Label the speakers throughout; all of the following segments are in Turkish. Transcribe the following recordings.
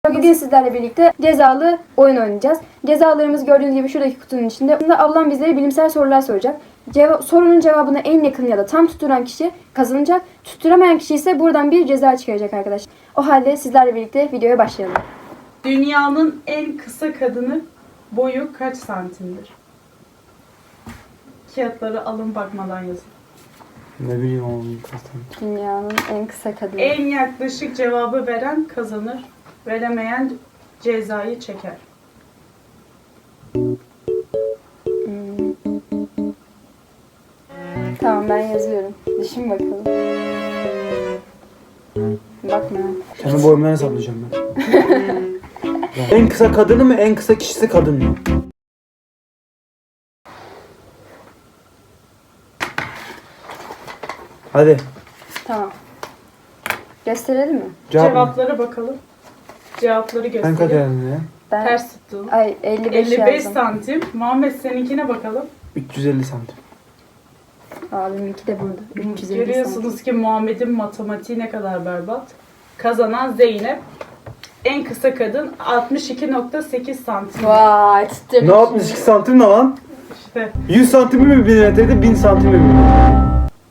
Speaker 1: Bugün sizlerle birlikte cezalı oyun oynayacağız. Cezalarımız gördüğünüz gibi şuradaki kutunun içinde. Bunda ablam bizlere bilimsel sorular soracak. Sorunun cevabını en yakın ya da tam tutturan kişi kazanacak. Tutturamayan kişi ise buradan bir ceza çıkaracak arkadaşlar. O halde sizlerle birlikte videoya başlayalım.
Speaker 2: Dünyanın en kısa kadını boyu kaç santimdir? Kağıtları alın bakmadan yazın.
Speaker 3: Ne bileyim oğlum zaten.
Speaker 1: Dünyanın en kısa kadını.
Speaker 2: En yaklaşık cevabı veren kazanır. Veremeyen cezayı çeker.
Speaker 1: Tamam, ben yazıyorum. Düşün bakalım. Bakma.
Speaker 3: Kendi boyumdan hesaplayacağım ben. En kısa kadını mı, en kısa kişisi kadın mı? Hadi.
Speaker 1: Tamam. Gösterelim mi?
Speaker 2: Cevaplara bakalım. Cevapları
Speaker 3: Ben
Speaker 2: göstereyim.
Speaker 3: kaderim ya.
Speaker 1: Ben
Speaker 2: Ters tuttum.
Speaker 1: Ay 55
Speaker 2: 55
Speaker 1: yazdım.
Speaker 2: santim. Muhammed seninkine bakalım.
Speaker 3: 350 santim.
Speaker 1: Abiminki de burada. 350 santim.
Speaker 2: Görüyorsunuz ki Muhammed'in matematiği ne kadar berbat. Kazanan Zeynep. En kısa kadın 62.8 santim.
Speaker 1: Vay, tutturdum.
Speaker 3: Ne 62 santim ne lan?
Speaker 2: İşte
Speaker 3: 100 santim mi milimetreydi, 1000 santim mi milimetre?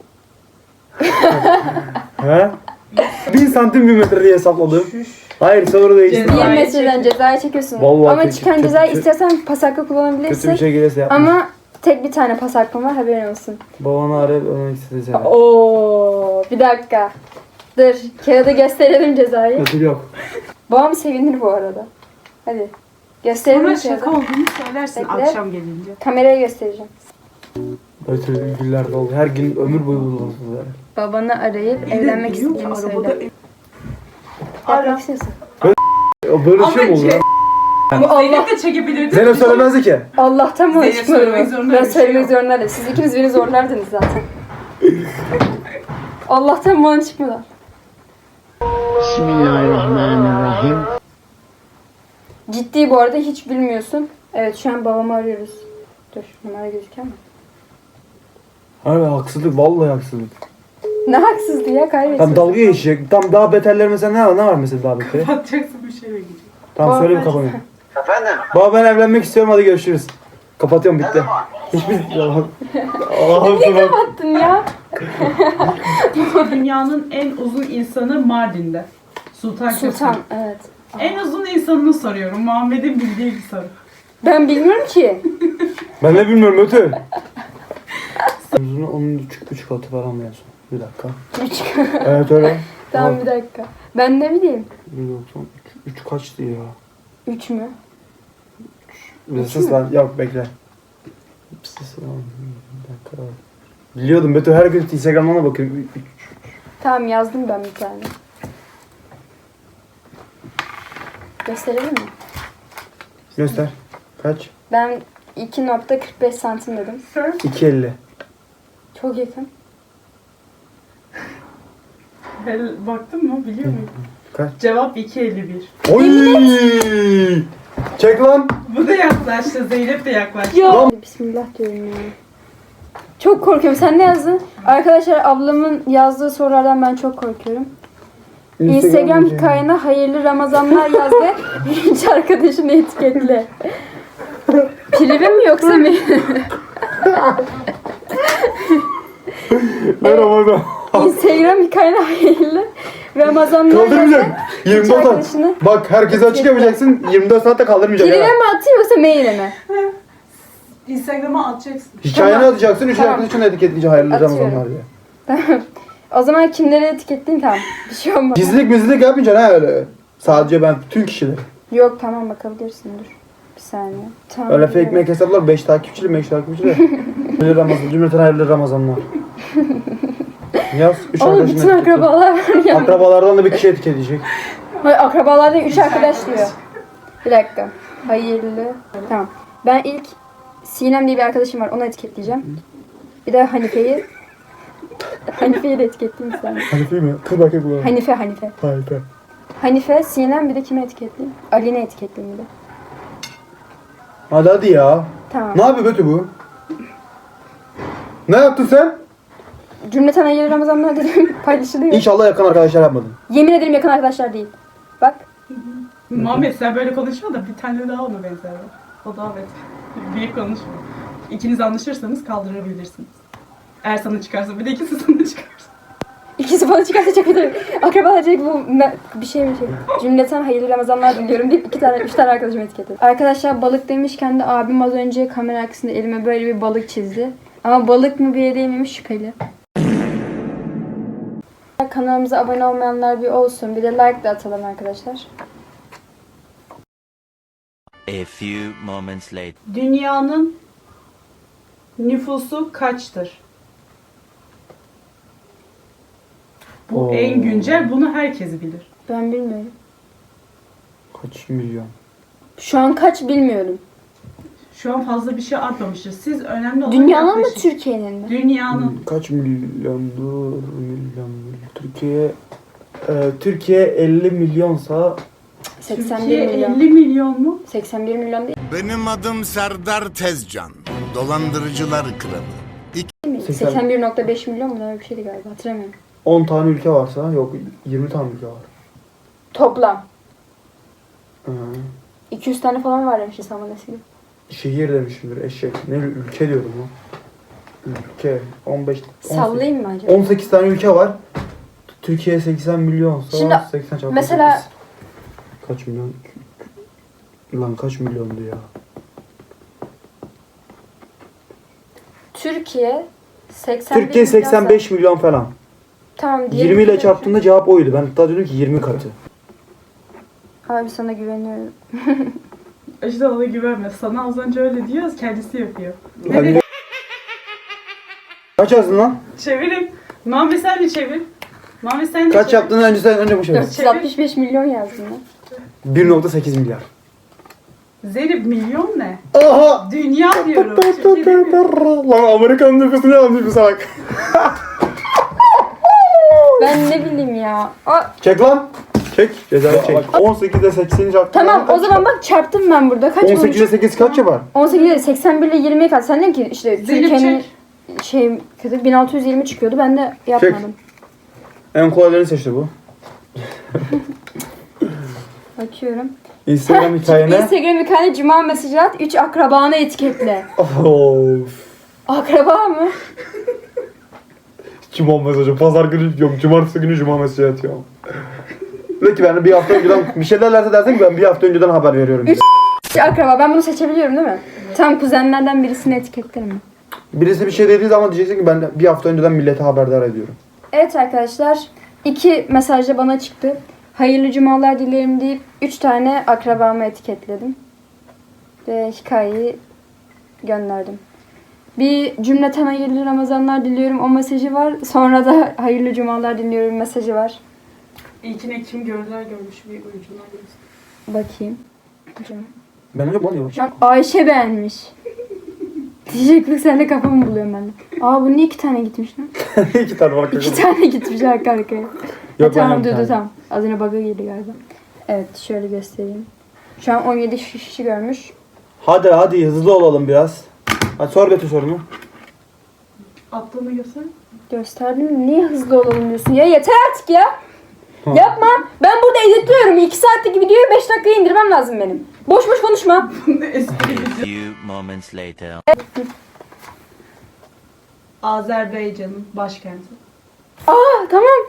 Speaker 3: He? 1000 santim milimetre diye hesapladım. Hayır, soru değişti.
Speaker 2: Ceza.
Speaker 1: 20 metreden cezayı çekiyorsun.
Speaker 3: Vallahi
Speaker 1: Ama
Speaker 3: kötü-
Speaker 1: çıkan
Speaker 3: kötü-
Speaker 1: cezayı
Speaker 3: kötü-
Speaker 1: istersen pas hakkı
Speaker 3: Kötü
Speaker 1: kullanabilirsin.
Speaker 3: bir şey gelirse yapma.
Speaker 1: Ama tek bir tane pas hakkın var, haberin olsun.
Speaker 3: Babanı arayıp ölmek istedi.
Speaker 1: Oo, bir dakika. Dur, kağıdı gösterelim cezayı.
Speaker 3: Kötü yok.
Speaker 1: Babam sevinir bu arada. Hadi. Gösterelim
Speaker 2: sonra
Speaker 1: kağıdı.
Speaker 2: şaka olduğunu söylersin
Speaker 1: Bekle.
Speaker 2: akşam gelince.
Speaker 1: Kameraya göstereceğim.
Speaker 3: Böyle güller doldu. Her gün ömür boyu bulundu.
Speaker 1: Babanı arayıp evlenmek istediğini söyle.
Speaker 2: Ara.
Speaker 1: Yapmak istiyorsun.
Speaker 3: Böyle şey mi olur ya?
Speaker 1: Bu Allah,
Speaker 2: Zeynep de çekebilirdi.
Speaker 3: Zeynep söylemezdi ki.
Speaker 1: Allah'tan mı
Speaker 2: Zeynep
Speaker 1: çıkmadı
Speaker 2: söylemek
Speaker 1: mı?
Speaker 2: zorunda
Speaker 1: Ben
Speaker 2: bir şey
Speaker 1: söylemek
Speaker 2: yok.
Speaker 1: zorundaydım. Siz ikiniz beni zorlardınız zaten. Allah'tan bana çıkmadı.
Speaker 4: Bismillahirrahmanirrahim.
Speaker 1: Ciddi bu arada, hiç bilmiyorsun. Evet, şu an babamı arıyoruz. Dur, numara gözüküyor mu?
Speaker 3: Abi haksızlık, vallahi haksızlık.
Speaker 1: Ne haksızlığı ya, kaybetsin.
Speaker 3: Tam dalga geçecek. Tam daha beterler mesela ne var mesela daha beteri?
Speaker 2: Kapatacaksın bir şeyle gidecek.
Speaker 3: Tamam
Speaker 1: Baba,
Speaker 3: söyleyeyim
Speaker 1: ben-
Speaker 3: kapanıyor.
Speaker 5: Efendim?
Speaker 3: Baba ben evlenmek istiyorum, hadi görüşürüz. Kapatıyorum, bitti. Hiçbir yalan. Allah'ım sana.
Speaker 1: Attın ya.
Speaker 2: Dünyanın en uzun insanı Mardin'de. Sultan
Speaker 1: Sultan,
Speaker 2: Köprü.
Speaker 1: evet.
Speaker 2: En uzun insanını soruyorum. Muhammed'in bildiği bir soru.
Speaker 1: Ben bilmiyorum ki.
Speaker 3: Ben de bilmiyorum ötü. Uzun 13,5 katı falan mı yazıyor? Bir dakika. Evet öyle.
Speaker 1: Tamam, bir dakika. Ben ne bileyim.
Speaker 3: 3 kaçtı ya?
Speaker 1: 3 mü?
Speaker 3: Bir ses var. Yok bekle. Bir ses var. Bir dakika. Biliyordum Beto, her gün Instagram'dan da bakıyorum.
Speaker 1: Tamam, yazdım ben bir tane. Gösterelim mi?
Speaker 3: Göster. Kaç?
Speaker 1: Ben 2.45 santim dedim.
Speaker 3: 2.50.
Speaker 1: Çok yakın.
Speaker 2: Baktın mı? Biliyor musun?
Speaker 3: Kaç?
Speaker 2: Cevap 2.51.
Speaker 3: Oy! Çek lan.
Speaker 2: Bu da yaklaştı. Zeynep de yaklaştı.
Speaker 1: Ya. Bismillah diyorum ya. Çok korkuyorum. Sen ne yazdın? Arkadaşlar, ablamın yazdığı sorulardan ben çok korkuyorum. Instagram hikayene hayırlı Ramazanlar yaz ve hiç arkadaşını etiketle. Prive mi yoksa mı?
Speaker 3: Merhaba.
Speaker 1: Instagram hikayene hayırlı Ramazanlar yaz ve
Speaker 3: Kaldırmayacak.
Speaker 1: hiç
Speaker 3: 24 saat.
Speaker 1: arkadaşını...
Speaker 3: Bak herkese açık yapacaksın. 24 saatte kaldırmayacak.
Speaker 1: Prive
Speaker 3: ha.
Speaker 1: mi atıyor yoksa maile mi?
Speaker 2: Instagram'a atacaksın.
Speaker 3: Hikayeni
Speaker 1: Tamam.
Speaker 3: atacaksın. 3
Speaker 1: Tamam.
Speaker 3: arkadaşını etiketleyince hayırlı
Speaker 1: Atıyorum.
Speaker 3: Ramazanlar diye.
Speaker 1: O zaman kimleri etiketleyin, tamam. Bir şey olmaz.
Speaker 3: Gizlilik mizlilik yapmayacaksın ha öyle. Sadece ben bütün kişileri.
Speaker 1: Yok, tamam, bakabilirsin, dur. Bir saniye. Tamam.
Speaker 3: Öyle fake make hesaplar 5 takipçili 5 takipçili. Hayırlı Ramazan. Cümleten hayırlı Ramazanlar. Yaz. 3
Speaker 1: Oğlum, bütün akrabalar var ya.
Speaker 3: Akrabalardan da bir kişi etiketleyecek.
Speaker 1: Hayır, akrabalar değil, 3 arkadaş diyor. Bir dakika. Hayırlı. Tamam. Ben ilk Sinem diye bir arkadaşım var, onu etiketleyeceğim. Bir de Hanife'yi. Hanife'yi de etiketleyeyim sen.
Speaker 3: Hanife mi? Kır bakayım bu.
Speaker 1: Hanife.
Speaker 3: Hanife.
Speaker 1: Hanife, Sinem, bir de kime etiketleyeyim? Ali'ne etiketleyeyim bir de.
Speaker 3: Hadi ya.
Speaker 1: Tamam.
Speaker 3: Ne yapıyor Betü bu? Ne yaptın sen?
Speaker 1: Cümleten hayırlı Ramazanlar dedim, paylaşılıyor.
Speaker 3: İnşallah yakın arkadaşlar yapmadın.
Speaker 1: Yemin ederim yakın arkadaşlar değil. Bak.
Speaker 2: Muhammed sen böyle konuşma da bir tane daha ona benzer. O da evet. Büyük konuşma. İkiniz anlaşırsanız kaldırabilirsiniz. Eğer sana çıkarsa bir de ikisi sana çıkarsa.
Speaker 1: İkisi bana çıkarsa çok kötü. Akrabalar diyecek bu bir şey. Cümleten hayırlı Ramazanlar diliyorum deyip 3 tane arkadaşım etiketledi. Arkadaşlar balık demişken de abim az önce kamera arkasında elime böyle bir balık çizdi. Ama balık mı bir yere değmemiş şüpheli. Kanalımıza abone olmayanlar bir olsun. Bir de like de atalım arkadaşlar.
Speaker 4: A few moments later.
Speaker 2: Dünyanın nüfusu kaçtır? Bu
Speaker 3: Oo.
Speaker 2: en güncel, bunu herkes bilir.
Speaker 1: Ben bilmiyorum.
Speaker 3: Kaç milyon?
Speaker 1: Şu an kaç bilmiyorum.
Speaker 2: Şu an fazla bir şey artmamıştır. Siz önemli olan
Speaker 1: Dünyanın mı
Speaker 2: yaklaşık.
Speaker 1: Türkiye'nin mi?
Speaker 2: Dünyanın.
Speaker 3: Kaç milyondur? Türkiye 50 milyonsa
Speaker 1: 81
Speaker 2: Türkiye
Speaker 1: milyon.
Speaker 2: 50 milyon mu?
Speaker 1: 81 milyon değil
Speaker 5: Benim adım Serdar Tezcan. Dolandırıcılar kralı.
Speaker 1: mi? 81,5 milyon mu? Öyle bir şeydi galiba. Hatırlamıyorum.
Speaker 3: 10 tane ülke varsa yok 20 tane ülke var.
Speaker 1: Toplam.
Speaker 3: Hı.
Speaker 1: 200 tane falan var demişti Saman Eski.
Speaker 3: Şehir demişimdir eşek. Ne ülke diyorum lan. Ülke 15
Speaker 1: Sallayayım mı acaba?
Speaker 3: 18 tane ülke var. Türkiye 80 milyonsa
Speaker 1: Şimdi
Speaker 3: 80 çarpı
Speaker 1: mesela-
Speaker 3: 8. Kaç milyon? Lan kaç milyondu ya?
Speaker 1: Türkiye 81
Speaker 3: Türkiye 85 milyon falan.
Speaker 1: Tamam diyelim.
Speaker 3: 20 ile çarptığında cevap oydu. Ben hatta dedim ki 20 katı.
Speaker 1: Abi sana güveniyorum.
Speaker 2: İşte ona güvenme. Sana az önce öyle diyoruz, kendisi yapıyor.
Speaker 3: Ben de... Kaç yazdın lan?
Speaker 2: Çevirin. Muhammed sen de çevir. Muhammed sen de
Speaker 3: Kaç
Speaker 2: çevir.
Speaker 3: yaptın önce bu şey.
Speaker 1: 465 milyon yazdım ben.
Speaker 3: 1.8 milyar.
Speaker 2: Zeynep milyon ne?
Speaker 3: Aha!
Speaker 2: Dünya diyorum. Türkiye demiyorum.
Speaker 3: Lan Amerikan nüfusunu yazmış bu salak.
Speaker 1: Ben ne bileyim ya.
Speaker 3: Çek lan. Çek. Cezayı çek. 18'de 80'i çarptın.
Speaker 1: Tamam o zaman bak çarptım ben burada. Kaç
Speaker 3: 18'de
Speaker 1: olmuş?
Speaker 3: 8 kaç yapar?
Speaker 1: 18 ile 81 ile 20'ye kaç? Sen dedin ki işte
Speaker 2: Zeynep
Speaker 1: Türkiye'nin
Speaker 2: çek.
Speaker 1: şey kötü 1620 çıkıyordu. Ben de yapmadım.
Speaker 3: En kolaylarını seçti bu.
Speaker 1: Bakıyorum.
Speaker 3: Instagram hikayene.
Speaker 1: Instagram hikayene cuma mesajı at. 3 akrabanı etiketle.
Speaker 3: Of.
Speaker 1: Akraba mı?
Speaker 3: Cuma mesajı. Pazar günü yok. Cumartesi günü cuma mesajı atıyorum. De ki ben bir hafta önceden bir şey derlerse dersen ki ben bir hafta önceden haber veriyorum.
Speaker 1: Üç akraba. Ben bunu seçebiliyorum değil mi? Tamam kuzenlerden birisini etiketlerim.
Speaker 3: Birisi bir şey dediği zaman diyeceksin ki ben bir hafta önceden millete haberdar ediyorum.
Speaker 1: Evet arkadaşlar. 2 mesajda bana çıktı. Hayırlı cumalar dilerim deyip 3 tane akrabamı etiketledim. Ve hikayeyi gönderdim. Bir cümleten hayırlı Ramazanlar diliyorum o mesajı var. Sonra da hayırlı cumalar diliyorum mesajı var.
Speaker 2: İlkine kim görürler görmüş bir oyuncular görsün.
Speaker 1: Bakayım. Hocam.
Speaker 3: Ben öyle bulamıyorum.
Speaker 1: Şu an Ayşe beğenmiş. Diyeceklik sen de kafamı buluyorum ben de. Aa bu niye 2 tane gitmiş lan?
Speaker 3: 2 tane var.
Speaker 1: 2 tane gitmiş arka arkaya.
Speaker 3: Yok,
Speaker 1: Tamam
Speaker 3: ben
Speaker 1: dur
Speaker 3: tane.
Speaker 1: tamam. Az önce bug'a girdi galiba. Evet şöyle göstereyim. Şu an 17 kişi görmüş.
Speaker 3: Hadi hızlı olalım biraz. Hadi sor Betül sorunu.
Speaker 2: Attığını göster.
Speaker 1: Gösterdim. Niye hızlı olalım diyorsun? Ya yeter artık ya. Yapma. Ben burada editliyorum. 2 saatlik videoyu 5 dakikaya indirmem lazım benim. Boş boş konuşma.
Speaker 2: Bunu espri video.
Speaker 4: Few moments later.
Speaker 2: Azerbaycan'ın başkenti.
Speaker 1: Aa tamam.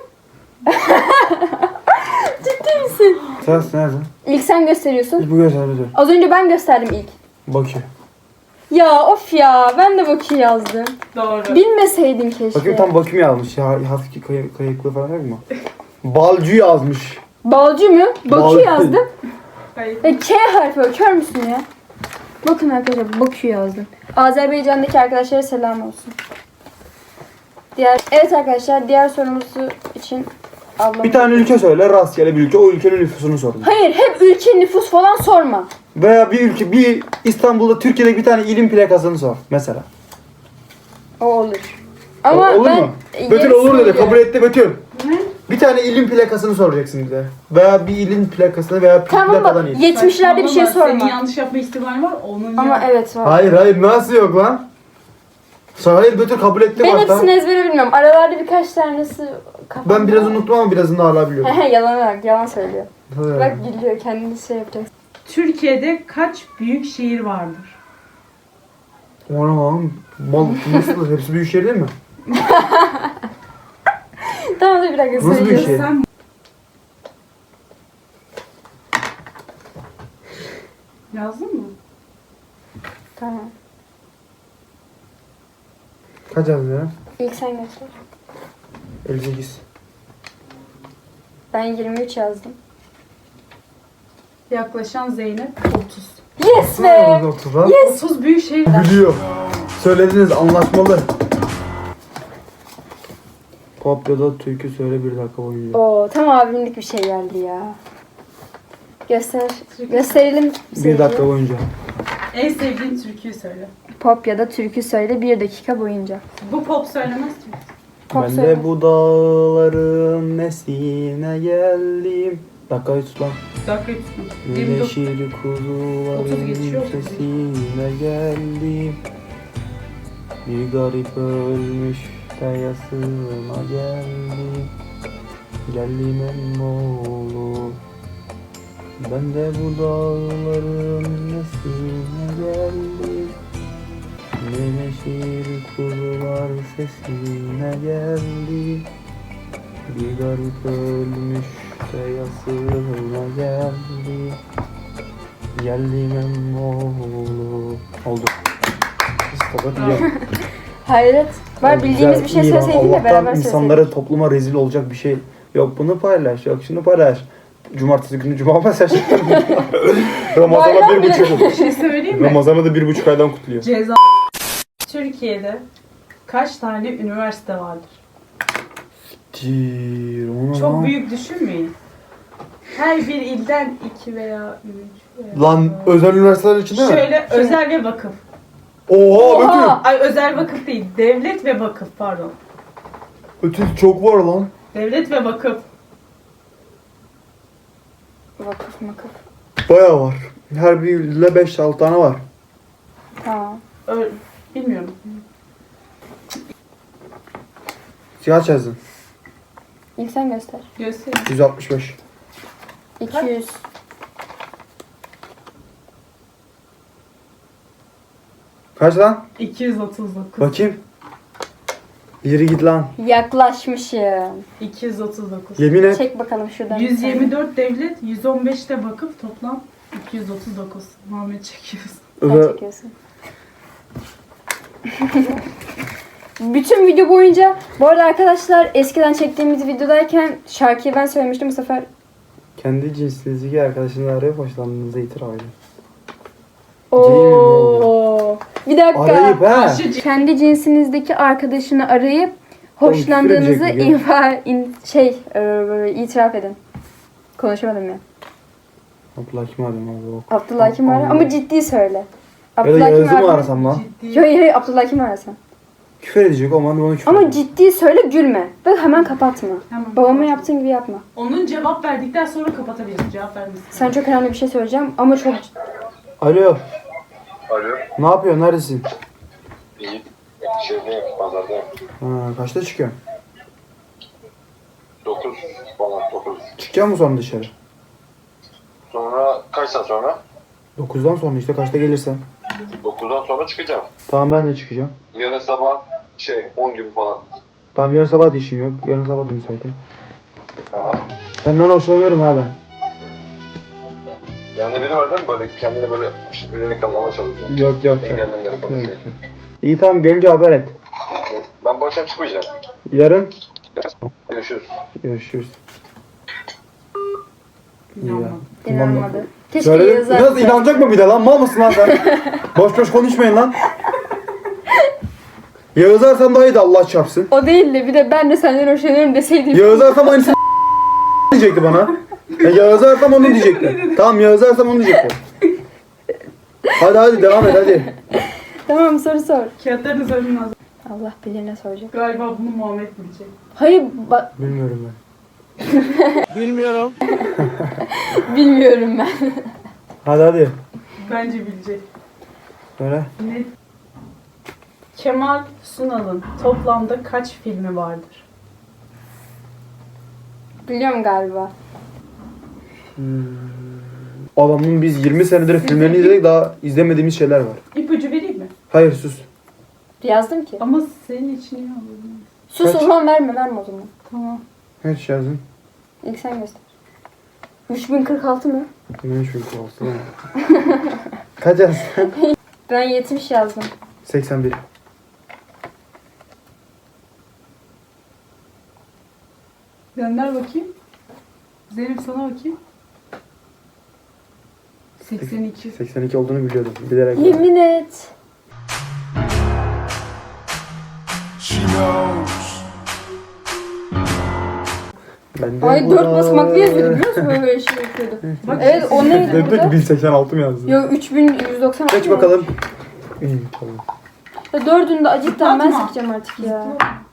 Speaker 1: Ciddi misin?
Speaker 3: Sen nerede?
Speaker 1: İlk sen gösteriyorsun.
Speaker 3: Bu göster Betül.
Speaker 1: Az önce ben gösterdim ilk.
Speaker 3: Bakü.
Speaker 1: Ya of ya. Ben de Bakü yazdım.
Speaker 2: Doğru.
Speaker 1: Bilmeseydin keşke.
Speaker 3: Bakayım tam Bakü mü yazmış ya? Hafif kayıklı falan yok mu? Balcı yazmış.
Speaker 1: Balcı mı? Bakü
Speaker 3: Balcı.
Speaker 1: yazdım.
Speaker 2: Hayır.
Speaker 1: K harfi o. Kör müsün ya? Bakın arkadaşlar Bakü yazdım. Azerbaycan'daki arkadaşlara selam olsun. Evet arkadaşlar diğer sorumuzu için ablam.
Speaker 3: Bir tane ülke söyle, rastgele bir ülke. O ülkenin nüfusunu sorun.
Speaker 1: Hayır hep ülke nüfus falan sorma.
Speaker 3: Veya bir İstanbul'da Türkiye'deki bir tane ilin plakasını sor mesela.
Speaker 1: O olur. Ama
Speaker 3: olur
Speaker 1: ben
Speaker 3: mu? Betül
Speaker 1: yarısını
Speaker 3: olur dedi.
Speaker 1: biliyorum.
Speaker 3: Kabul etti Betül.
Speaker 2: Ne?
Speaker 3: Bir tane ilin plakasını soracaksın bize. Veya bir ilin plakasını veya
Speaker 1: Tamam
Speaker 3: plakadan
Speaker 1: bak
Speaker 3: il.
Speaker 1: 70'lerde bir şey
Speaker 2: Saçmalama, Senin
Speaker 1: sorma.
Speaker 2: yanlış yapma ihtimali var. Onun
Speaker 1: Ama
Speaker 2: ya.
Speaker 1: evet var.
Speaker 3: Hayır nasıl yok lan? Hayır Betül kabul etti
Speaker 1: Ben
Speaker 3: başta.
Speaker 1: hepsini ezbere bilmiyorum. Aralarda birkaç tanesi kafamda.
Speaker 3: Ben biraz unuttum ama birazını hala biliyorum.
Speaker 1: Yalan söylüyor. Bak gülüyor, kendini şey yapacak.
Speaker 2: Türkiye'de kaç büyük şehir vardır?
Speaker 3: Oğlum mal nasıl? Hepsi büyük şehir değil mi?
Speaker 1: Tamam da bir dakika
Speaker 3: Nasıl büyük
Speaker 1: söyleyeceğiz.
Speaker 3: şehir?
Speaker 2: Sen yazdın mı?
Speaker 1: Tamam.
Speaker 3: Kaç yazdın ya?
Speaker 1: İlk sen göster.
Speaker 3: 58.
Speaker 1: Ben 23 yazdım.
Speaker 2: Yaklaşan Zeynep 30.
Speaker 1: Yes be!
Speaker 3: 30 lan.
Speaker 1: Yes!
Speaker 2: 30 büyük şehir.
Speaker 3: Biliyor. Söylediniz anlaşmalı. Pop ya da türkü söyle 1 dakika boyunca.
Speaker 1: Oo, tam abimlik bir şey geldi ya. Gösterelim.
Speaker 3: 1 dakika boyunca.
Speaker 2: En sevdiğin türküyü söyle.
Speaker 1: Pop ya da türkü söyle 1 dakika boyunca.
Speaker 2: Bu pop söylemez ki.
Speaker 1: Pop
Speaker 3: Ben
Speaker 1: söyle.
Speaker 3: de bu dağların nesine geldim. Dakikayı tut lan.
Speaker 2: Dakika tutma. 29.
Speaker 3: Yeşil
Speaker 2: 30
Speaker 3: kuzuların
Speaker 2: geçiyor, 30
Speaker 3: sesine geldim. Bir garip ölmüş de yasına geldim. Geldim emmoğlu. Ben de bu dağların nesine geldim. Yeşil kuzular sesine geldim. Bir garip ölmüş de yasına geldi. Geldim emmoğlu. Oldu. Fakat iyi.
Speaker 1: Hayret. Var
Speaker 3: Yani
Speaker 1: bildiğimiz
Speaker 3: güzel,
Speaker 1: bir şey
Speaker 3: iyi lan.
Speaker 1: söyleseydin de
Speaker 3: Allah'tan
Speaker 1: beraber
Speaker 3: insanlara,
Speaker 1: söyleseydik.
Speaker 3: topluma rezil olacak bir şey. Yok bunu paylaş, yok şunu paylaş. Cumartesi günü cuma mesajı. Ramazan'a
Speaker 1: Bayram
Speaker 3: 1,5
Speaker 2: Bir
Speaker 3: oldu.
Speaker 2: şey söyleyeyim mi?
Speaker 3: Ramazan'ı da 1,5 aydan kutluyor.
Speaker 2: Ceza. Türkiye'de kaç tane üniversite vardır?
Speaker 3: Onu
Speaker 2: Çok
Speaker 3: lan.
Speaker 2: büyük düşünmeyin. Her bir ilden 2 veya 3 veya...
Speaker 3: Lan özel üniversiteler içinde mi?
Speaker 2: Şöyle özel ve vakıf.
Speaker 3: Oha!
Speaker 2: Ay özel vakıf değil. Devlet ve vakıf pardon.
Speaker 3: Ötesi çok var lan.
Speaker 2: Devlet ve vakıf.
Speaker 1: Vakıf makıf.
Speaker 3: Bayağı var. Her birinde 5-6 tane var.
Speaker 1: Tamam.
Speaker 2: Bilmiyorum.
Speaker 3: Kaç yazdın?
Speaker 1: İlk sen göster.
Speaker 2: Göstereyim.
Speaker 3: 165.
Speaker 1: 200.
Speaker 3: Kaç lan?
Speaker 2: 239.
Speaker 3: Bakayım. İleri git lan.
Speaker 1: Yaklaşmışım.
Speaker 2: 239.
Speaker 3: Yemin et.
Speaker 1: Çek bakalım şuradan.
Speaker 2: 124 devlet, 115 de vakıf, toplam 239. Muhammed çekiyoruz.
Speaker 1: Sen
Speaker 3: Özel...
Speaker 1: çekiyorsun. Bütün video boyunca, bu arada arkadaşlar eskiden çektiğimiz videodayken şarkıyı ben söylemiştim, bu sefer
Speaker 3: Kendi cinsinizdeki arkadaşınızı arayıp hoşlandığınızı itiraf edin.
Speaker 1: ooo. Bir dakika.
Speaker 3: Arayıp ha.
Speaker 2: Karşı
Speaker 1: Kendi cinsinizdeki arkadaşını arayıp
Speaker 3: Oğlum, küfür
Speaker 1: hoşlandığınızı
Speaker 3: edecek
Speaker 1: itiraf edin. Konuşamadım ya.
Speaker 3: Abdullah kim arayayım abi? O-
Speaker 1: Abdullah kim ara? Ama ciddi söyle.
Speaker 3: Ya da
Speaker 1: Abdullah kim
Speaker 3: Yağız'ı mı
Speaker 1: ara?
Speaker 3: arasam lan?
Speaker 2: ciddi.
Speaker 1: Hayır, Abdullah kim arasam?
Speaker 3: Küfür edecek o zaman onu küfür
Speaker 1: Ama
Speaker 3: edeyim.
Speaker 1: ciddi söyle, gülme. Ve hemen kapatma.
Speaker 2: Hemen
Speaker 1: Babama
Speaker 2: kapat.
Speaker 1: yaptığın gibi yapma.
Speaker 2: Onun cevap verdikten sonra kapatabilirim. Cevap vermesin.
Speaker 1: Sen çok önemli bir şey söyleyeceğim ama çok...
Speaker 3: Alo.
Speaker 6: Alo.
Speaker 3: Ne yapıyorsun? Neredesin?
Speaker 6: İyi. Şeydeyim, pazardayım.
Speaker 3: Ha, kaçta çıkıyorsun?
Speaker 6: 9 falan, 9.
Speaker 3: Çıkacak mısın sonra dışarı?
Speaker 6: Sonra kaç saat sonra?
Speaker 3: 9'dan sonra işte kaçta gelirsen.
Speaker 6: 9'dan sonra çıkacağım.
Speaker 3: Tamam ben de çıkacağım.
Speaker 6: Yarın sabah 10 gibi falan.
Speaker 3: Tamam yarın sabah da işim yok. Yarın sabah da müsaitim.
Speaker 6: Tamam.
Speaker 3: Senden hoşlanıyorum ha ben.
Speaker 6: Yani biri var değil mi böyle kendine böyle ürünü kalmama çalışıyor.
Speaker 3: Yok.
Speaker 6: Engellemleri
Speaker 3: Yok.
Speaker 6: konuşuyor.
Speaker 3: İyi tamam gelince haber et.
Speaker 6: Ben bu akşam çıkmayacağım.
Speaker 3: Yarın
Speaker 6: Görüşürüz.
Speaker 3: görüşürüz. İyi ya.
Speaker 2: İnanmadım.
Speaker 1: İnanmadı. Keşke
Speaker 3: Söyle,
Speaker 1: yazar.
Speaker 3: biraz inanacak mı bir de lan? Mal mısın lan sen? boş boş konuşmayın lan. Yağız Arslan daha iyiydi Allah çarpsın.
Speaker 1: O değil de bir de ben de senden hoşlanıyorum deseydim.
Speaker 3: Yağız Arslan aynısını diyecekti bana. Yağız Arslan onu diyecekti. Tamam Yağız Arslan onu diyecekti. Hadi devam et hadi.
Speaker 1: Tamam, soru sor.
Speaker 2: Kağıtlarınız önüne hazır.
Speaker 1: Allah bilir ne soracak.
Speaker 2: Galiba bunu Muhammed bilecek.
Speaker 1: Hayır,
Speaker 3: Bilmiyorum ben.
Speaker 1: bilmiyorum ben.
Speaker 3: Hadi.
Speaker 2: Bence bilecek.
Speaker 3: Söyle.
Speaker 2: Ne? Kemal Sunal'ın toplamda kaç filmi vardır?
Speaker 1: Biliyorum galiba.
Speaker 3: Adamın biz 20 senedir filmlerini izledik, daha izlemediğimiz şeyler var.
Speaker 2: İpucu vereyim mi?
Speaker 3: Hayır sus.
Speaker 1: Yazdım ki.
Speaker 2: Ama senin için iyi olur.
Speaker 1: Sus
Speaker 3: Kaç?
Speaker 1: o zaman verme o zaman.
Speaker 2: Tamam.
Speaker 3: Kaç yazdın?
Speaker 1: İlk sen göster. 3046 mı?
Speaker 3: Ne çünkü olsun. Kaç yazdın?
Speaker 1: Ben 70 yazdım.
Speaker 3: 81.
Speaker 2: Gönder bakayım. Zeynep sana bakayım. 82.
Speaker 3: 82 olduğunu biliyordum. Bilerek.
Speaker 1: Yemin et.
Speaker 3: Ben de
Speaker 1: Ay 4
Speaker 3: burada-
Speaker 1: basamaklı yazıyordu biliyor musun? Böyle şey yapıyordu.
Speaker 2: Bak,
Speaker 1: Evet o neydi
Speaker 3: Dedi ki
Speaker 1: burada?
Speaker 3: 1086 mı yazdın?
Speaker 1: Yok 3196.
Speaker 3: Geç bakalım. İyi tamam.
Speaker 1: Ya dördünü de acıktan ben
Speaker 2: Zıplatma.
Speaker 1: sıkacağım artık ya.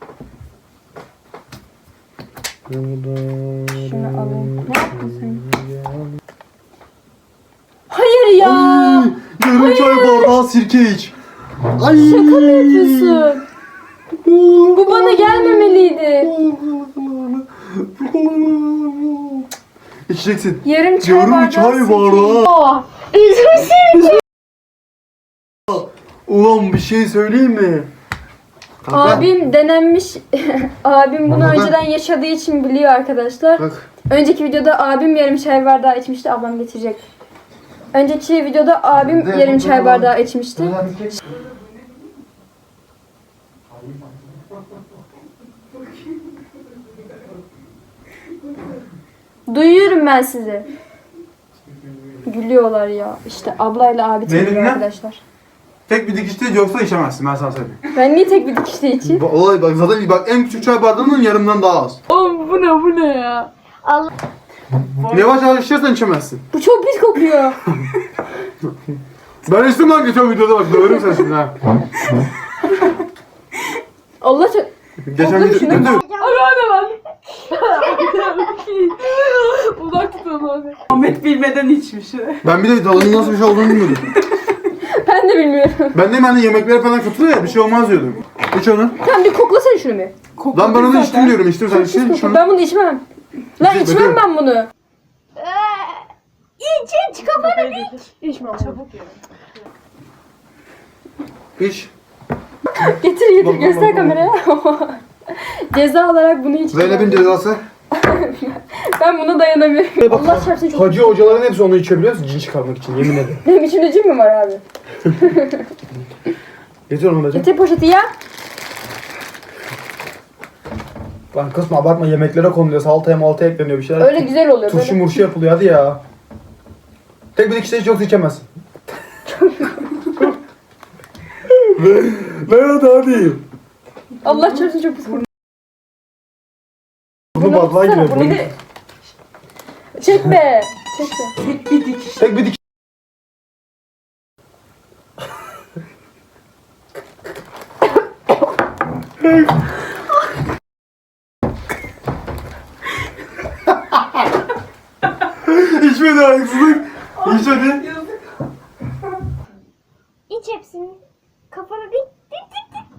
Speaker 1: Şunu alayım. Ne yaptın sen? Hayır ya.
Speaker 3: Yarım çay bardağı sirke iç. Ay.
Speaker 1: Şaka mı yapıyorsun? Bu bana gelmemeliydi.
Speaker 3: İçeceksin.
Speaker 1: Yarım çay
Speaker 3: Yarım
Speaker 1: bardağı.
Speaker 3: çay
Speaker 1: sirke.
Speaker 3: bardağı.
Speaker 1: Aa, üzülsün.
Speaker 3: Ulan bir şey söyleyeyim mi?
Speaker 1: Abim denenmiş. Abim bunu
Speaker 3: Kanka.
Speaker 1: önceden yaşadığı için biliyor arkadaşlar.
Speaker 3: Bak.
Speaker 1: Önceki videoda abim yarım çay bardağı içmişti. Ablam getirecek. Önceki videoda abim
Speaker 3: Ne
Speaker 1: yarım
Speaker 3: bu
Speaker 1: çay
Speaker 3: da?
Speaker 1: bardağı içmişti. Duyuyorum ben sizi. Gülüyorlar ya. İşte ablayla abi
Speaker 3: Ne dedin
Speaker 1: tanıyor
Speaker 3: lan?
Speaker 1: arkadaşlar.
Speaker 3: Tek bir dikişte yoksa içemezsin, ben sana söyleyeyim.
Speaker 1: Ben niye tek bir dikişte içeyim?
Speaker 3: Olay bak, zaten bak en küçük çay bardağının yarımdan daha az.
Speaker 1: Oğlum bu ne ya?
Speaker 3: Yavaş yavaş içersen içemezsin.
Speaker 1: Bu çok pis kokuyor.
Speaker 3: Ben içtim lan geçen videoda, bak döverim sen şimdi ha.
Speaker 1: Allah çok...
Speaker 3: Geçen
Speaker 1: Oğlum
Speaker 3: video...
Speaker 1: şunu-
Speaker 3: Ne döv?
Speaker 1: Abi bak. Uzak tutun abi.
Speaker 2: Ahmet bilmeden içmiş.
Speaker 3: Ben bir de tadının nasıl bir şey olduğunu bilmiyordum.
Speaker 1: Ben de bilmiyorum.
Speaker 3: Ben de hani yemeklere falan katılıyor ya, bir şey olmaz diyordum. İç onu.
Speaker 1: Sen bir koklasana şunu bir.
Speaker 3: Lan ben onu içtim diyorum, içtim sen içtin
Speaker 1: Pis
Speaker 3: şunu.
Speaker 1: kokuyor. Ben bunu içmem. Lan
Speaker 3: İçme,
Speaker 1: içmem
Speaker 3: bekle.
Speaker 1: ben bunu. İç kafanı iç. İçmem. Çabuk
Speaker 3: İç.
Speaker 1: Getir
Speaker 3: Bak,
Speaker 1: göster
Speaker 3: bak,
Speaker 1: kameraya. Ceza olarak bunu içtim.
Speaker 3: Zeynep'in cezası.
Speaker 1: Ben buna dayanamıyorum. Allah çarpsın çok...
Speaker 3: Hacı hocaların hepsi onu içiyor biliyor musun? Cin çıkarmak için, yemin ederim.
Speaker 1: Benim içimde cin mi var abi?
Speaker 3: Getir onu Mete.
Speaker 1: Getir poşeti ya.
Speaker 3: Lan kısma abartma, yemeklere konuluyor, salataya maltaya ekleniyor bir şeyler.
Speaker 1: Öyle güzel oluyor
Speaker 3: Turşu
Speaker 1: böyle.
Speaker 3: murşu yapılıyor, hadi ya. Tek bir dikişte hiç yoksa içemezsin. Lan hadi.
Speaker 1: Allah çarpsın çok pis kokuyor.
Speaker 3: Bunu badlığa
Speaker 1: tutsana,
Speaker 3: giriyor.
Speaker 1: bunu de- Çekme. Çekme.
Speaker 2: Tek bir dikiş.
Speaker 3: Tek bir dikiş. İçmedi haksızlık. İç hadi.
Speaker 7: İç hepsini. Kafana dik dik dik dik.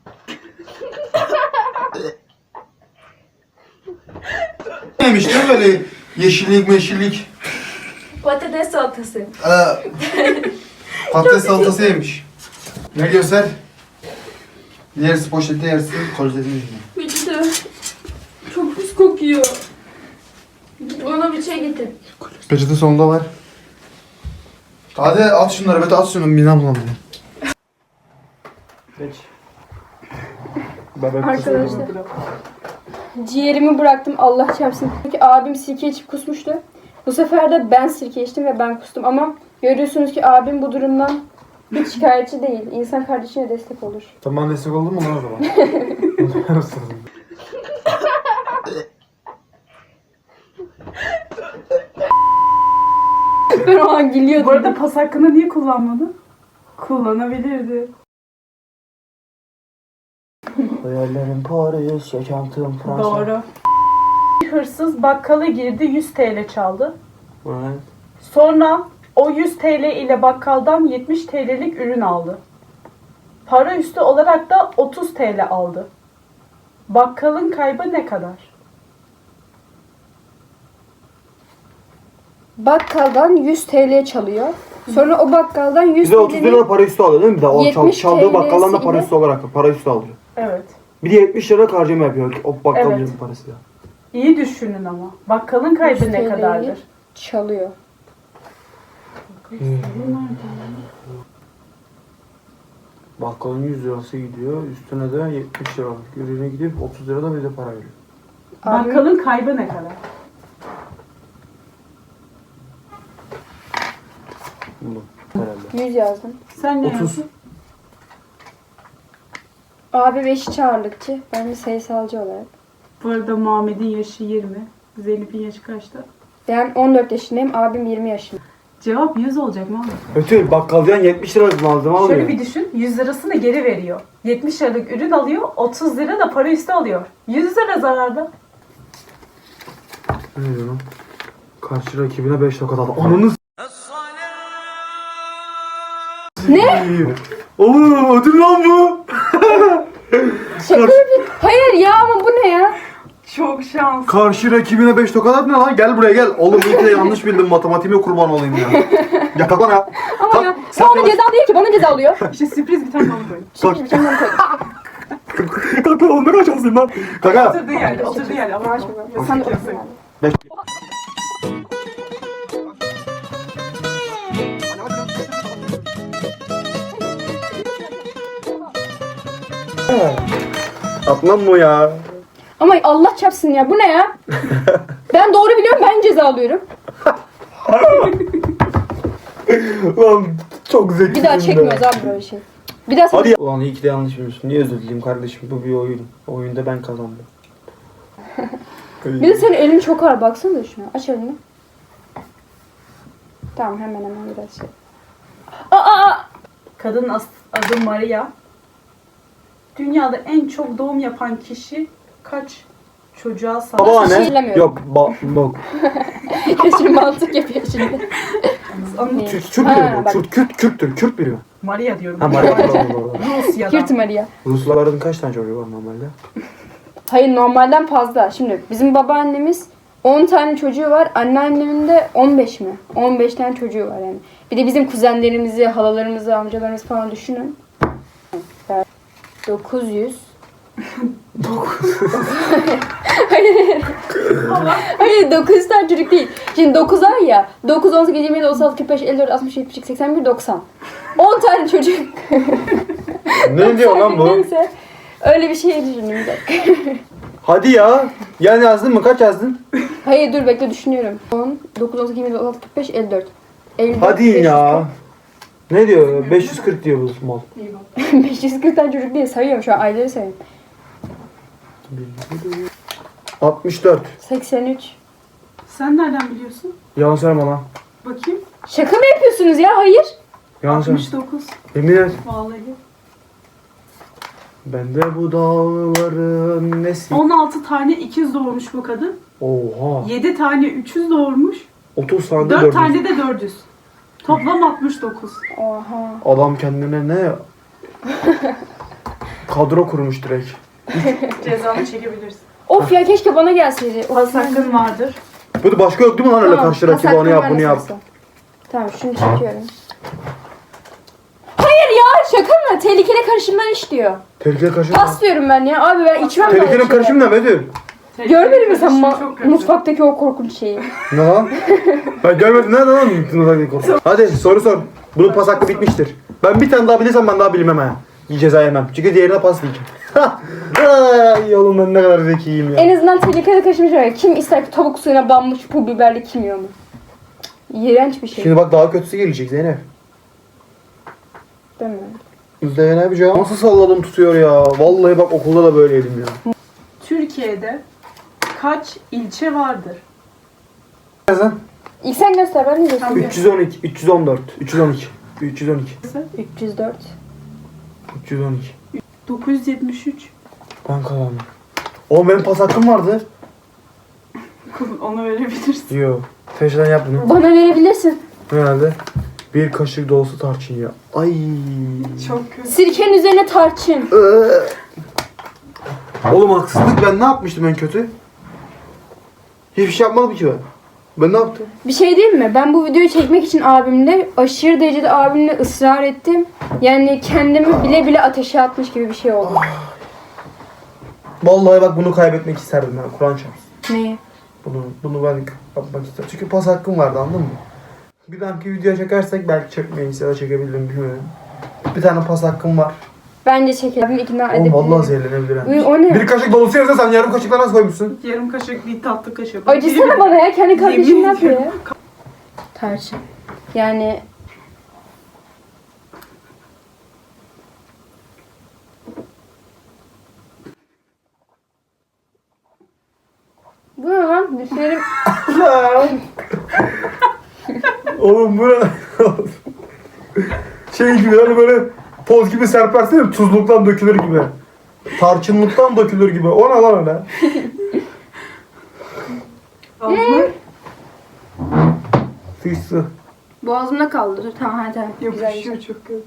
Speaker 3: Neymiş değil mi böyle yeşillik meşillik.
Speaker 1: Patates salatası.
Speaker 3: Patates salatası yemiş. Ne göster? Yersin poşette yersin, kolidesin.
Speaker 1: Bitti. Çok pis kokuyor. Ona bir şey getir.
Speaker 3: Peçete sonunda var. Hadi at şunları, Bete at şunu, midem bulandı. Geç.
Speaker 1: Arkadaşlar. Ciğerimi bıraktım Allah çarpsın. Çünkü abim sirke içip kusmuştu. Bu sefer de ben sirke içtim ve ben kustum ama görüyorsunuz ki abim bu durumdan hiç şikayetçi değil. İnsan kardeşine destek olur.
Speaker 3: Tamam, destek oldun mu lan o zaman?
Speaker 1: Ben o an gülüyordum.
Speaker 2: Bu arada pas hakkını niye kullanmadın? Kullanabilirdi.
Speaker 3: Hayallerim Paris, yaşantım Fransa.
Speaker 2: Doğru. Bir hırsız bakkala girdi, 100 TL çaldı.
Speaker 3: Evet.
Speaker 2: Sonra o 100 TL ile bakkaldan 70 TL'lik ürün aldı. Para üstü olarak da 30 TL aldı. Bakkalın kaybı ne kadar?
Speaker 1: bakkaldan 100 TL çalıyor. Sonra o bakkaldan 100
Speaker 3: Bir de 30 lira
Speaker 1: TL'nin
Speaker 3: para üstü alıyor değil mi? Bir de o
Speaker 1: 70
Speaker 3: çaldığı bakkaldan da para
Speaker 1: TL'siyle
Speaker 3: üstü olarak para üstü alıyor.
Speaker 2: Evet.
Speaker 3: Bir de 70 lira harcama yapıyor o bakkalcının
Speaker 2: Evet.
Speaker 3: parasıyla.
Speaker 2: İyi düşünün ama. Bakkalın kaybı
Speaker 1: 100
Speaker 2: ne
Speaker 1: TL'yi
Speaker 2: kadardır?
Speaker 1: çalıyor.
Speaker 3: Bakkalın 100 lirası gidiyor. Üstüne de 70 lira. Ürüne gidip 30 lira da bize para veriyor.
Speaker 1: Abi-
Speaker 2: Bakkalın kaybı ne kadar?
Speaker 3: Bunu herhalde.
Speaker 1: 100 yazdım.
Speaker 2: Sen ne
Speaker 3: 30.
Speaker 2: yapıyorsun?
Speaker 1: Abi beşiç ağırlıkçı. Ben bir sayısalcı olarak.
Speaker 2: Bu arada Muhammed'in yaşı 20. Zeynep'in yaşı kaçta?
Speaker 1: Ben 14 yaşındayım. Abim 20 yaşında.
Speaker 2: Cevap 100 olacak mı?
Speaker 3: Ötür bakkaldan 70 lira malzeme alıyor.
Speaker 2: Şöyle bir düşün. 100 lirasını geri veriyor. 70 liralık ürün alıyor. 30 lira da para üstü alıyor. 100 lira zararda.
Speaker 3: Ne diyor lan? Karşı rakibine 5 tokat aldı. Ananı
Speaker 1: Ne?
Speaker 3: Oğlum ödül lan bu.
Speaker 1: Şaka yapıyorsun. Hayır ya ama bu ne ya?
Speaker 2: Çok şans.
Speaker 3: Karşı rakibine 5 tokat at ne lan? Gel buraya gel. Oğlum iyi ki de yanlış bildim, matematiğime kurban olayım ya. Ya kalk lan ya.
Speaker 1: Ama
Speaker 3: Kalk,
Speaker 1: ya.
Speaker 3: sen
Speaker 1: O ona
Speaker 3: yavaş-
Speaker 1: ceza değil ki. Bana ceza alıyor.
Speaker 2: İşte sürpriz bir tane onu koyun.
Speaker 3: Kalk.
Speaker 1: Şimdi bir tane koydum.
Speaker 3: Kalk lan oğlum ne kadar şanslıyım lan. Kaka.
Speaker 2: Oturduğu yerde, oturduğu yerde. Ama
Speaker 1: Sen de otursun abi.
Speaker 3: 5. Atmam mı ya?
Speaker 1: Ama Allah çarpsın ya. Bu ne ya? Ben doğru biliyorum. Ben ceza alıyorum.
Speaker 3: Lan çok zekisin
Speaker 1: Bir daha
Speaker 3: be.
Speaker 1: çekmiyoruz abi böyle şey. Bir daha
Speaker 3: Hadi ya. Ulan iyi ki de yanlış bilmiyorsun. Niye özür dileyim kardeşim? Bu bir oyun. Oyunda ben kazandım.
Speaker 1: Bir de senin elin çok ağır. Baksana da şuna. Aç elini. Tamam hemen biraz şey. Aa!
Speaker 2: Kadının adı Maria. Dünyada en çok doğum yapan kişi kaç çocuğa sahip?
Speaker 3: Baba
Speaker 1: Nasıl
Speaker 3: ne?
Speaker 1: şeylemiyorum.
Speaker 3: Yok bak.
Speaker 1: Şimdi mantık yapıyor şimdi.
Speaker 2: Anlat.
Speaker 3: Kürt biri
Speaker 1: Ha,
Speaker 3: mi?
Speaker 1: bak.
Speaker 3: Kürttür. Kürt biri mi?
Speaker 2: Maria diyorum.
Speaker 3: Ha Maria doğru.
Speaker 2: Rusya'dan.
Speaker 1: Kürt Maria.
Speaker 3: Rusların kaç tane çocuğu var normalde?
Speaker 1: Hayır normalden fazla. Şimdi bizim babaannemiz 10 tane çocuğu var. Anneannemin de 15 mi? 15 tane çocuğu var yani. Bir de bizim kuzenlerimizi, halalarımızı, amcalarımızı falan düşünün. 900. Hayır 900 tane çocuk değil. Şimdi 9 ay ya. 9, 18, 27, 36, 45, 54, 60, 70, 81, 90. 10 tane çocuk.
Speaker 3: Ne diyor lan bu?
Speaker 1: Neyse. Öyle bir şey düşündüm bir dakika.
Speaker 3: Hadi ya. Yani yazdın mı? Kaç yazdın?
Speaker 1: Hayır dur bekle düşünüyorum. 10, 9, 18, 27, 36, 45, 54. 54
Speaker 3: Hadi ya. Ne diyor? 540 diyor bu mal.
Speaker 1: 540 tane çocuk diye sayıyorum şu an ayları sayıyorum.
Speaker 3: 64.
Speaker 1: 83.
Speaker 2: Sen nereden biliyorsun?
Speaker 3: Yalan söyleme lan.
Speaker 2: Bakayım.
Speaker 1: Şaka mı yapıyorsunuz ya? Hayır.
Speaker 3: Yalan söyleme.
Speaker 2: 69.
Speaker 3: Yemin et.
Speaker 2: Vallahi.
Speaker 3: Ben de bu dağların nesi?
Speaker 2: 16 tane ikiz doğurmuş bu kadın.
Speaker 3: Oha.
Speaker 2: 7 tane 300 doğurmuş.
Speaker 3: 30 tane de
Speaker 2: 4
Speaker 3: 400.
Speaker 2: tane de 400. Toplam 69.
Speaker 1: Oha.
Speaker 3: Adam kendine ne? Kadro kurmuş direkt.
Speaker 2: Cezanı çekebilirsin.
Speaker 1: Of ya keşke bana gelseydi.
Speaker 2: Pas hakkın vardır.
Speaker 3: Böyle başka yok değil mi lan öyle karşı rakibi
Speaker 1: pas
Speaker 3: onu yap
Speaker 1: hakkım
Speaker 3: bunu
Speaker 1: var
Speaker 3: yap.
Speaker 1: nasılsa. Tamam şunu çekiyorum. Hayır ya şaka mı? Tehlikeli karışımlar işliyor.
Speaker 3: Tehlikeli karışım.
Speaker 1: Pas diyorum ben ya. Abi ben içmem böyle
Speaker 3: Tehlikeli
Speaker 1: şeyler.
Speaker 3: karışım ne Bedir?
Speaker 1: Görmedin mi sen
Speaker 2: Karışım çok kötü.
Speaker 1: mutfaktaki o korkunç şeyi?
Speaker 3: Ne lan? Ben görmedim ne lan? Hadi soru sor. Bunun pas hakkı bitmiştir. Ben bir tane daha bilirsem ben daha bilmem ha. Ceza yemem. Çünkü diğerine pas diyeceğim. Ay oğlum ben ne kadar zekiyim ya.
Speaker 1: En azından tehlikeli karışım şey. Kim ister ki tavuk suyuna banmış pul biberli kim yiyor mu? İğrenç bir şey.
Speaker 3: Şimdi bak daha kötüsü gelecek Zeynep.
Speaker 1: Değil mi?
Speaker 3: Zeynep canım. Nasıl salladım tutuyor ya. Vallahi bak okulda da böyleydim ya.
Speaker 2: Türkiye'de kaç ilçe vardır?
Speaker 3: Yazın.
Speaker 1: İlk sen göster ben de göstereyim.
Speaker 3: 312, 314, 312, 312,
Speaker 1: 304.
Speaker 3: 312.
Speaker 2: 973.
Speaker 3: Ben kazandım. Oğlum benim pas hakkım vardı.
Speaker 2: Onu verebilirsin.
Speaker 3: Yo. Teşeden yap bunu.
Speaker 1: Bana verebilirsin.
Speaker 3: Herhalde. Bir kaşık dolusu tarçın ya. Ay.
Speaker 2: Çok kötü.
Speaker 1: Sirkenin üzerine tarçın.
Speaker 3: Oğlum haksızlık ben ne yapmıştım en kötü? Hiçbir şey yapmadım ki ben. Ben ne yaptım?
Speaker 1: Bir şey diyeyim mi? Ben bu videoyu çekmek için abimle aşırı derecede abimle ısrar ettim. Yani kendimi bile bile ateşe atmış gibi bir şey oldu.
Speaker 3: Vallahi bak bunu kaybetmek isterdim ben. Kur'an çarpsın.
Speaker 1: Neyi?
Speaker 3: Bunu ben yapmak istedim. Çünkü pas hakkım vardı, anladın mı? Bir dahaki video çekersek belki çekmeyiz ya da çekebilirim, bilmiyorum. Bir tane pas hakkım var.
Speaker 1: Bence çekelim. Abimi ikna
Speaker 3: Oğlum
Speaker 1: edebilirim.
Speaker 3: vallahi zehirlenebilir ha.
Speaker 1: Uy, o ne?
Speaker 3: Bir kaşık dolusu yerine sen yarım kaşıkla nasıl koymuşsun?
Speaker 2: Yarım kaşık değil, tatlı kaşık.
Speaker 1: Acısana bana ya. Kendi kardeşim
Speaker 2: Yemin
Speaker 1: ne yapıyor ya?
Speaker 2: ediyorum.
Speaker 1: Tarçın. Yani... Bu ne lan? Dişlerim...
Speaker 3: Oğlum bu ne? Şey gibi hani böyle toz gibi serpersin ya, tuzluktan dökülür gibi. Tarçınlıktan dökülür gibi. O ne lan öyle?
Speaker 2: Ağzına
Speaker 3: Sıçtı.
Speaker 1: Boğazımda kaldı. Dur, tamam hadi. Güzel.
Speaker 2: yapışıyor çok kötü.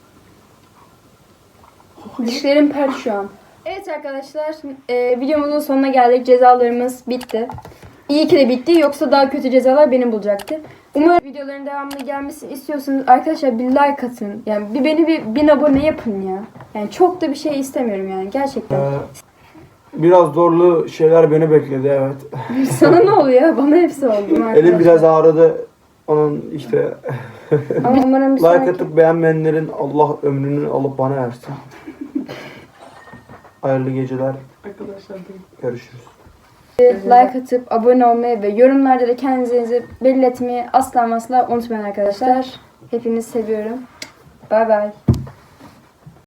Speaker 1: Dişlerim pert şu an. Evet arkadaşlar, videomuzun sonuna geldik. Cezalarımız bitti. İyi ki de bitti. Yoksa daha kötü cezalar beni bulacaktı. Umarım videoların devamlı gelmesini istiyorsanız arkadaşlar bir like atın. Yani beni bir 1000 abone yapın ya. Yani çok da bir şey istemiyorum yani gerçekten.
Speaker 3: Biraz zorlu şeyler beni bekledi, evet.
Speaker 1: Sana ne oluyor? Bana hepsi oldu. arkadaşlar.
Speaker 3: Elim biraz ağrıdı. Onun işte
Speaker 1: Ama umarım bir
Speaker 3: like
Speaker 1: sonraki...
Speaker 3: atıp beğenmeyenlerin Allah ömrünü alıp bana versin. Hayırlı geceler.
Speaker 2: Arkadaşlar değil.
Speaker 3: Görüşürüz.
Speaker 1: like atıp abone olmayı ve yorumlarda da kendinizi belli etmeyi asla unutmayın arkadaşlar. Hepinizi seviyorum. Bay bay.